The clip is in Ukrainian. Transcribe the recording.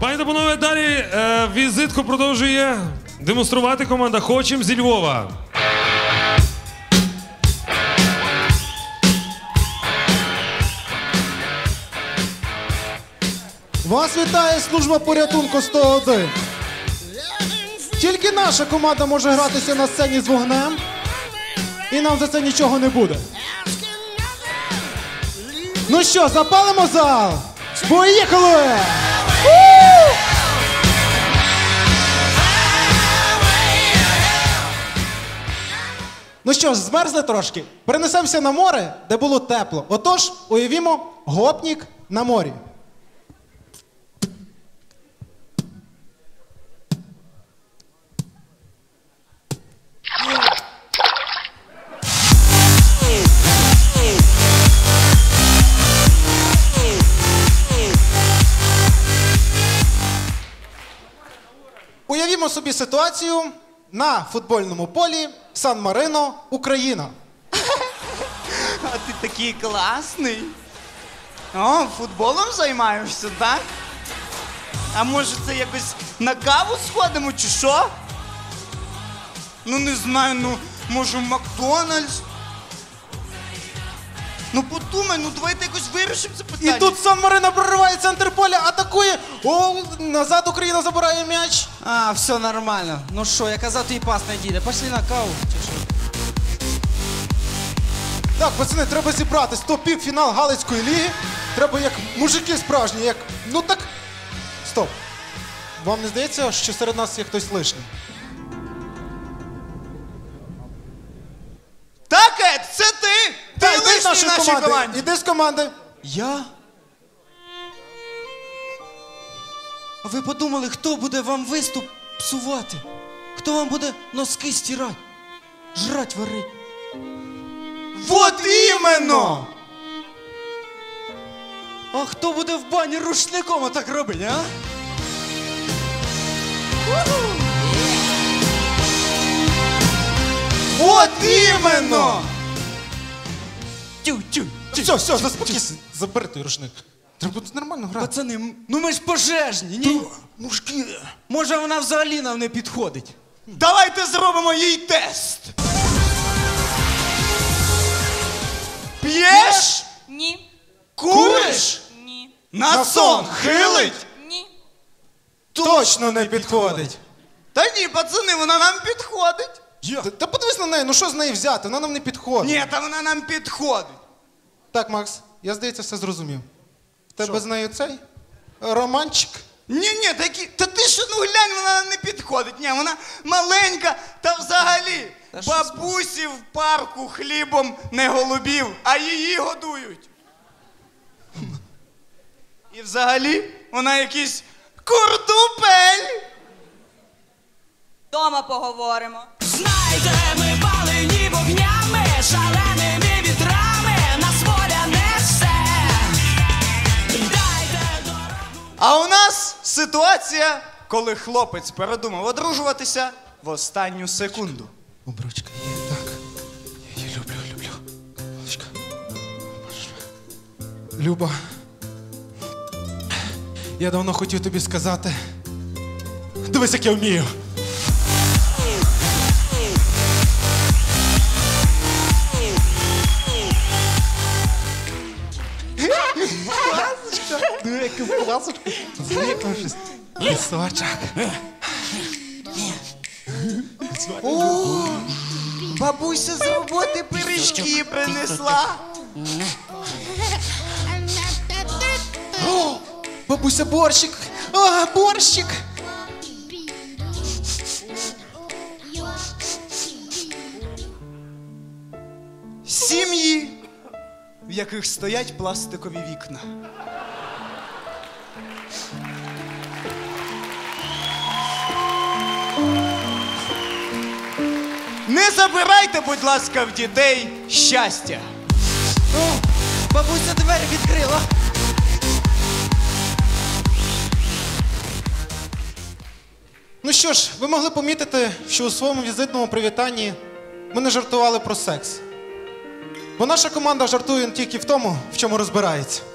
Пані та панове, далі візитку продовжує демонструвати команда «Хочем» зі Львова. Вас вітає служба порятунку 101. Тільки наша команда може гратися на сцені з вогнем, і нам за це нічого не буде. Ну що, запалимо зал? Поїхали! Ну що ж, змерзли трошки? Перенесемося на море, де було тепло. Отож, уявімо гопнік на морі. Уявімо собі ситуацію на футбольному полі Сан-Марино, Україна. А ти такий класний. О, футболом займаєшся, так? А може це якось на каву сходимо, чи що? Ну не знаю, ну може в Макдональдс? Ну подумай, ну давайте якось вирішимо це питання. І тут Сан-Марино прориває центр поля, атакує. О, назад Україна забирає м'яч. А, все нормально. Ну що, я казав, твій пас не дійде. Пошли на каву. Чи що? Так, пацани, треба зібратись. То півфінал Галицької ліги. Треба як мужики справжні, як... Ну так... Стоп. Вам не здається, що серед нас є хтось лишній? Так, Ед, це ти! Ти Та, йди з лишній в нашій команді! Іди з команди. Я? А ви подумали, хто буде вам виступ псувати? Хто вам буде носки стирати? Жрать варить? Вот іменно! А хто буде в бані рушником отак робити, а? Вот іменно! Тю-тю. Все, заспокійся. Забери той рушник. Треба тут нормально грати. Пацани, ну ми ж пожежні, ні? Мужики. Може вона взагалі нам не підходить? Давайте зробимо їй тест! П'єш? Ні. Куриш? Ні. На сон хилить? Ні. Точно не підходить. Та ні, пацани, вона нам підходить. Та подивись на неї, ну що з неї взяти? Вона нам не підходить. Ні, та вона нам підходить. Так, Макс, я, здається, все зрозумів. В тебе з нею цей романчик? Ні, такі, та ти що, ну глянь, вона нам не підходить. Ні, вона маленька, та взагалі. Бабусі в парку хлібом не голубів, а її годують. І взагалі вона якийсь курдупель. Дома поговоримо. Знаєте, ми палені вогнями, шаленими вітрами, нас воля несе. Дайте дорогу. А у нас ситуація, коли хлопець передумав одружуватися в останню секунду. Обручка є, так. Я її люблю. Олечка. Люба, я давно хотів тобі сказати. Дивись, як я вмію. Ну, яку пасочку. Зліпавшись. Лісочок. Бабуся з роботи пиріжки принесла. О, бабуся, борщик. А, борщик. Сім'ї, в яких стоять пластикові вікна. Не забирайте, будь ласка, в дітей щастя. О, бабуся двері відкрила. Ну що ж, ви могли помітити, що у своєму візитному привітанні ми не жартували про секс. Бо наша команда жартує тільки в тому, в чому розбирається.